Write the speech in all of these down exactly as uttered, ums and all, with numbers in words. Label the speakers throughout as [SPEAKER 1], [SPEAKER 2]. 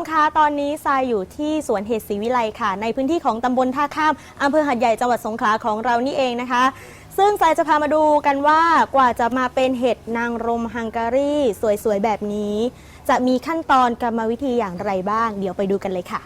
[SPEAKER 1] คะตอนนี้ทรายอยู่ที่สวนเห็ดศรีวิไลค่ะในพื้นที่ของตำบลท่าข้ามอำเภอหาดใหญ่จังหวัดสงขลาของเรานี่เองนะคะซึ่งทรายจะพามาดูกันว่ากว่าจะมาเป็นเห็ดนางรมฮังการีสวยๆแบบนี้จะมีขั้นตอนกรรมวิธีอย่างไรบ้างเดี๋ยวไปดูกันเลยค่ะ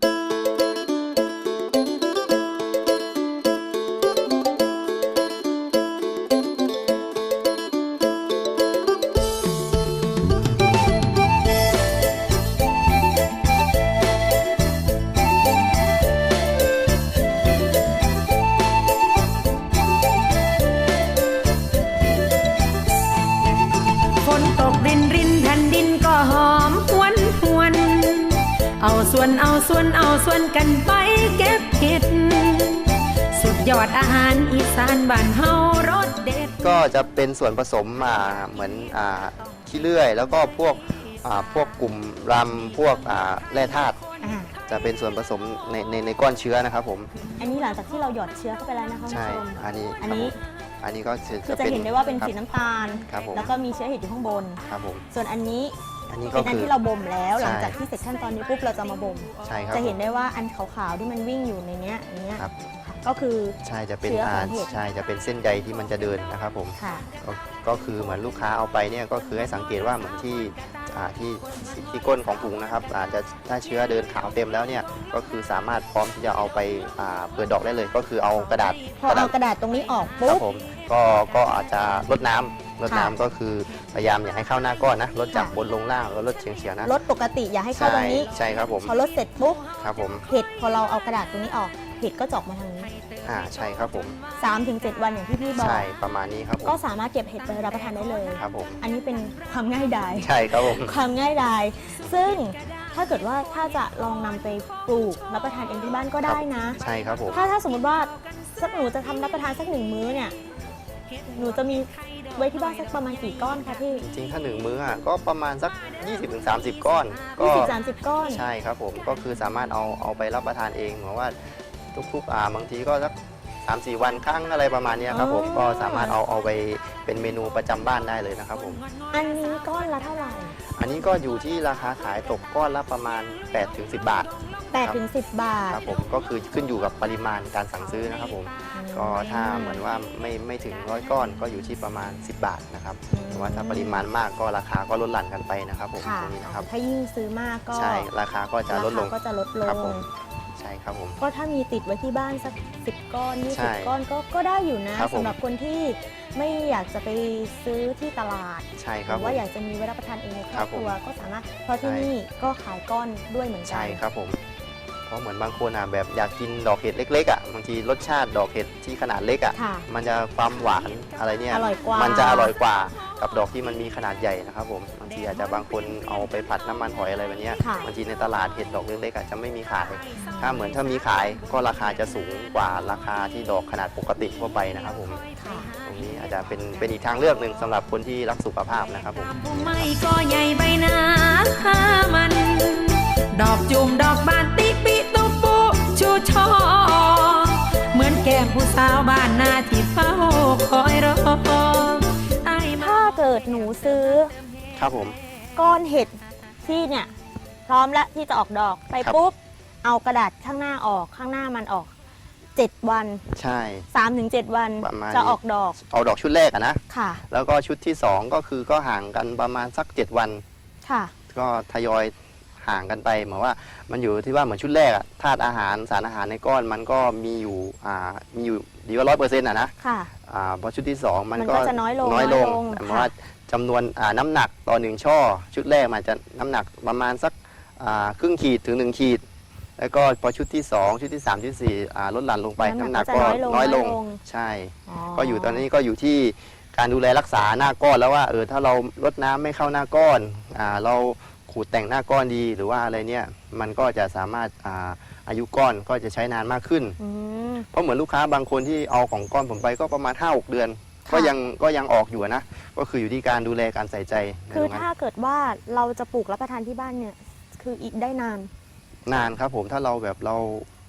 [SPEAKER 2] เอาส่วนเอาส่วนเอาส่วนกันไปเก็บเห็ดสุดยอดอาหารอีสานบ้านเฮารสเด็ด
[SPEAKER 3] ก็จะเป็นส่วนผสมมาเหมือนอ่าขี้เลื่อยแล้วก็พวกอ่าพวกกลุ่มรำพวกอ่าแร่ธาตุจะเป็นส่วนผสมในในในก้อนเชื้อนะครับผม
[SPEAKER 1] อันนี้หลังจากที่เราหยอดเชื้อเข้าไปแล้วนะคะ
[SPEAKER 3] ใช่อันนี้
[SPEAKER 1] อันนี้
[SPEAKER 3] อันนี้ก็
[SPEAKER 1] คือจะเห็นได้ว่าเป็นสีน้ำตาลแล้วก็มีเชื้อเห็ดอยู่ข้างบน
[SPEAKER 3] ครับผม
[SPEAKER 1] ส่วนอันนี้
[SPEAKER 3] อันนี้
[SPEAKER 1] เป็นอันที่เราบ่มแล้วหลังจากที่เสร็จขั้นตอนนี้ปุ๊บเราจะมาบ่ม
[SPEAKER 3] ใช่ครับ
[SPEAKER 1] จะเห็นได้ว่าอันขาวๆที่มันวิ่งอยู่ในเนี้ยเนี้ยก็คือ
[SPEAKER 3] ใช่จะเป็นอ่าใช่จะเป็นเส้นใยที่มันจะเดินนะครับผมก็คือเหมือนลูกค้าเอาไปเนี่ยก็คือให้สังเกตว่าเหมือนที่ที่ที่ก้นของถุงนะครับอาจจะถ้าเชื้อเดินขาวเต็มแล้วเนี่ยก็คือสามารถพร้อมที่จะเอาไปเปิดดอกได้เลยก็คือเอากระดาษ
[SPEAKER 1] พอเอากระดาษตรงนี้ออกปุ๊บ
[SPEAKER 3] ผมก็ก็อาจจะลดน้ำลดน้ำก็คือพยายามอย่าให้เข้าหน้าก้อนนะลดจากบนลงล่างแล้วลดเฉียงเฉียงนะ
[SPEAKER 1] ลดปกติอย่าให้เข้าตรงนี้
[SPEAKER 3] ใช่ครับผม
[SPEAKER 1] พอลดเสร็จปุ๊บ
[SPEAKER 3] ครับผม
[SPEAKER 1] เห็ดพอเราเอากระดาษตรงนี้ออกเห็ดก็จะออกมาทางนี้
[SPEAKER 3] อ่าใช่ครับผม
[SPEAKER 1] สามถึงเจ็ด วันอย่างที่พี่บอก
[SPEAKER 3] ใช่ประมาณนี้ครับผม
[SPEAKER 1] ก็สามารถเก็บเห็ดไปรับประทานได้เลย
[SPEAKER 3] ครับผม
[SPEAKER 1] อันนี้เป็นความง่ายดาย
[SPEAKER 3] ใช่ครับผม
[SPEAKER 1] ความง่ายดายซึ่งถ้าเกิดว่าถ้าจะลองนำไปปลูกรับประทานเองที่บ้านก็ได้นะ
[SPEAKER 3] ใช่ครับผม
[SPEAKER 1] ถ้าถ้าสมมติว่าสักหนูจะทำรับประทานสักหนึ่งมื้อเนี่ยหนูจะมีไว้ที่บ้านสักประมาณกี่ก้อนคะพี่
[SPEAKER 3] จริงถ้าหนึ่งมื้อก็ประมาณสัก ยี่สิบถึงสามสิบ ก้อน
[SPEAKER 1] ยี่สิบ สามสิบ ก้อน
[SPEAKER 3] ใช่ครับผมก็คือสามารถเอาเอาไปรับประทานเองเหมือนว่าทุกๆอ่าบางทีก็สัก สามสี่ วันครั้งอะไรประมาณนี้ครับผมก็สามารถเอาเอาไปเป็นเมนูประจำบ้านได้เลยนะครับผม
[SPEAKER 1] อันนี้ก้อนละเท่าไหร่
[SPEAKER 3] อันนี้ก็อยู่ที่ราคาขายตกก้อนละประมาณ แปดถึงสิบ บาท
[SPEAKER 1] แปดถึงสิบ บาท
[SPEAKER 3] ครับผมก็คือขึ้นอยู่กับปริมาณการสั่งซื้อนะครับผมก็ถ้าเหมือนว่าไม่ไม่ถึงร้อยก้อนก็อยู่ที่ประมาณสิบบาทนะครับแต่ว่าถ้าปริมาณมากก็ราคาก็ลดหลั่นกันไปนะครับผมตรงนี้นะครับ
[SPEAKER 1] ถ้ายิ่งซื้อมากก็
[SPEAKER 3] ใช่ราคาก็จะลดลง
[SPEAKER 1] ก็จะลดลง
[SPEAKER 3] ใช่ครับผม
[SPEAKER 1] ก็ถ้ามีติดไว้ที่บ้านสักสิบก้อนยี่สิบก้อนก็ก็ได้อยู่นะสำหรับคนที่ไม่อยากจะไปซื้อที่ตลาด
[SPEAKER 3] ใช่ครับ
[SPEAKER 1] ว่าอยากจะมีไว้รับประทานเองในครอบครัวก็สามารถเพราะที่นี่ก็ขายก้อนด้วยเหมือนกัน
[SPEAKER 3] ใช่ครับผมเพราะเหมือนบางคนอ่ะแบบอยากกินดอกเห็ดเล็กๆอ่ะบางทีรสชาติดอกเห็ดที่ขนาดเล็กอ่ะมันจะความหวานอะไรเนี่ยมันจะอร่อยกว่ากับดอกที่มันมีขนาดใหญ่นะครับผมบางทีอาจจะบางคนเอาไปผัดน้ำมันหอยอะไรแบบนี้บางทีในตลาดเห็ดดอกเล็กๆอาจจะไม่มีขายถ้าเหมือนถ้ามีขายก็ราคาจะสูงกว่าราคาที่ดอกขนาดปกติทั่วไปนะครับผมตรงนี้อาจจะเป็นเป็นอีกทางเลือกหนึ่งสำหรับคนที่รักสุขภาพนะครับผม
[SPEAKER 2] ไม่ก็ใหญ่ใบหน้ามันดอกจุ่มดอกบานติปิตุปุชูชอเหมือนแก้มผู้สาวบ้านนาที่เฝ้าคอยรอ
[SPEAKER 1] ถ้าเกิดหนูซื้อ
[SPEAKER 3] ครับผม
[SPEAKER 1] ก้อนเห็ดที่เนี่ยพร้อมแล้วที่จะออกดอกไปปุ๊บเอากระดาษข้างหน้าออกข้างหน้ามันออกเจ็ดวัน
[SPEAKER 3] ใช่
[SPEAKER 1] สามถึงเจ็ด วันจะออกดอก
[SPEAKER 3] เอาดอกชุดแรกอะนะ
[SPEAKER 1] ค่ะ
[SPEAKER 3] แล้วก็ชุดที่สองก็คือก็ห่างกันประมาณสักเจ็ดวัน
[SPEAKER 1] ค่ะก็
[SPEAKER 3] ทยอยห่างกันไปเหมือนว่ามันอยู่ที่ว่าเหมือนชุดแรกอะธาตุอาหารสารอาหารในก้อนมันก็มีอยู่อ่ามีอยู่ดีว่าร้อยเปอร์เซ็นต์อะนะ
[SPEAKER 1] ค่ะ
[SPEAKER 3] อ่าพอชุดที่สองมันก็
[SPEAKER 1] จะน้อยลง
[SPEAKER 3] น้อยลงแต่ว่าจำนวนอ่าน้ำหนักต่อหนึ่งช่อชุดแรกมันจะน้ำหนักประมาณสักอ่าครึ่งขีดถึงหนึ่งขีดแล้วก็พอชุดที่สองชุดที่สามชุดที่สี่อ่าลดหลั่นลงไปน้ำหนักก็น้อยลงใช่ก็อยู่ตอนนี้ก็อยู่ที่การดูแลรักษาหน้าก้อนแล้วว่าเออถ้าเราลดน้ำไม่เข้าหน้าก้อนอ่าเราขูดแต่งหน้าก้อนดีหรือว่าอะไรเนี่ยมันก็จะสามารถอาอายุก้อนก็จะใช้นานมากขึ้นเพราะเหมือนลูกค้าบางคนที่เอาของก้อนผมไปก็ประมาณ ห้าหก เดือนก็ยังก็ยังออกอยู่นะก็คืออยู่ที่การดูแลการใส่ใจ
[SPEAKER 1] คือถ้าเกิดว่าเราจะปลูกรับประทานที่บ้านเนี่ยคืออีกได้นาน
[SPEAKER 3] นานครับผมถ้าเราแบบเรา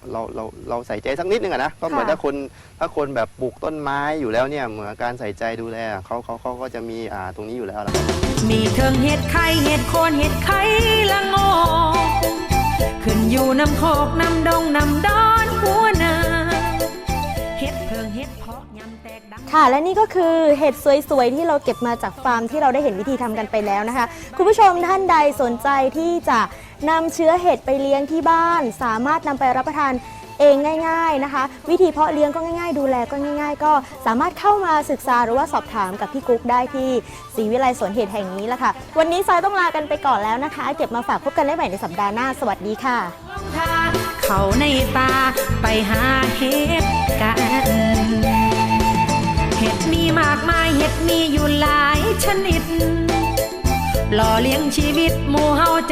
[SPEAKER 3] เราเราเราใส่ใจสักนิดนึงอะนะก็เหมือน
[SPEAKER 1] ค่ะ
[SPEAKER 3] ถ้าคนถ้าคนแบบปลูกต้นไม้อยู่แล้วเนี่ยเหมือนการใส่ใจดูแลเขาเขาเขาก็จะมีอ่าตรงนี้อยู่แล้วล่ะ
[SPEAKER 2] มีเทิงเห็ดไข่เห็ดโคนเห็ดไข่ละโงกขึ้นอยู่น้ำโคกน้ำดงน้ำดอนหัวนาเห็ดเพิงเห็ดเพาะยำแตกดัง
[SPEAKER 1] ค่ะและนี่ก็คือเห็ดสวยๆที่เราเก็บมาจากฟาร์มที่เราได้เห็นวิธีทำกันไปแล้วนะคะคุณผู้ชมท่านใดสนใจที่จะนำเชื้อเห็ดไปเลี้ยงที่บ้าน สามารถนำไปรับประทานเองง่าย ๆนะคะ วิธีเพาะเลี้ยงก็ง่ายๆ ดูแลก็ง่าย ๆ ก็สามารถเข้ามาศึกษาหรือว่าสอบถามกับพี่กุ๊กได้ที่ศรีวิไลสวนเห็ดแห่งนี้ละค่ะวันนี้ทรายต้องลากันไปก่อนแล้วนะคะ เก็บมาฝากพบกันได้ใหม่ในสัปดาห์หน้าสวัสดีค่ะ
[SPEAKER 2] ทางเขาในป่าไปหาเห็ดกัน เห็ดมีมากมายเห็ดมีอยู่หลายชนิดหล่อเลี้ยงชีวิตหมู่เฮา